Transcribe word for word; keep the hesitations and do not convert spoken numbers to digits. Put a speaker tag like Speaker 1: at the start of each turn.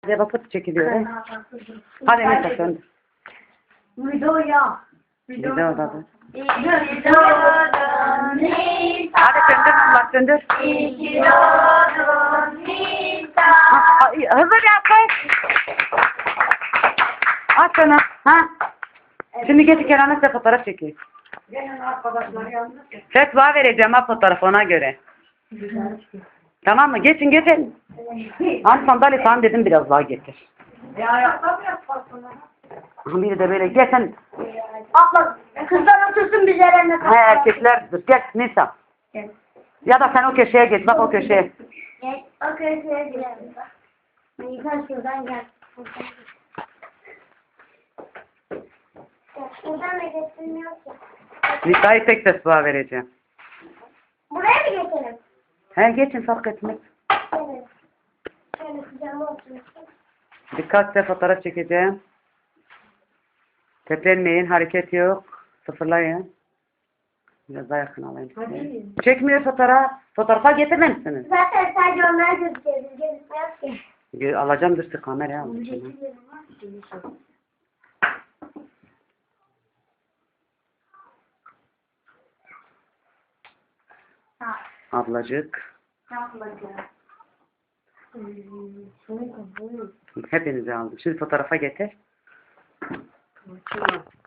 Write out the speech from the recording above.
Speaker 1: Bize bakıp çekiliyor. He? Hadi Nisa söndür.
Speaker 2: Videoya.
Speaker 1: Video da.
Speaker 2: Videoda
Speaker 1: Hadi söndür Allah söndür.
Speaker 2: Videoda Nisa.
Speaker 1: Ha, ay, Hazır yap kız. Aç onu. Ha? Şimdi geç Kerem'le size fotoğraf çekeyim.
Speaker 2: Gelen arkadaşlar yalnız.
Speaker 1: Fetva vereceğim ha fotoğraf ona göre. Tamam mı? Geçin geçin. Hani sandalye falan dedim biraz daha getir.
Speaker 2: E ayakta mı yaparsın?
Speaker 1: Aha, biri de böyle gel sen.
Speaker 2: Abla kızlar otursun biz yerine.
Speaker 1: He erkekler dur gel Nisa.
Speaker 2: Gel.
Speaker 1: Ya da sen o köşeye geç bak o köşeye.
Speaker 2: Gel. O köşeye girelim. Nisa şuradan gel. Şuradan da geçilmiyor ki.
Speaker 1: Nisa'yı tek fetva vereceğim.
Speaker 2: Buraya mı geçelim?
Speaker 1: He geçin fark etmez.
Speaker 2: Evet. Şöyle sıcağıma otursun.
Speaker 1: Dikkatle fotoğraf çekeceğim. Teplenmeyin, hareket yok. Sıfırlayın. Biraz daha yakın alayım size. Çekmiyor fotoğraf. Fotoğrafa getirmemişsiniz.
Speaker 2: Zaten sadece onlar gözüküyor. Biz gözükmüyoruz ki.
Speaker 1: Gö- Alacağım dur şu kameraya al.
Speaker 2: Ha.
Speaker 1: Ablacık.
Speaker 2: Hmm,
Speaker 1: Hepinizi aldım. Şimdi fotoğrafa getir.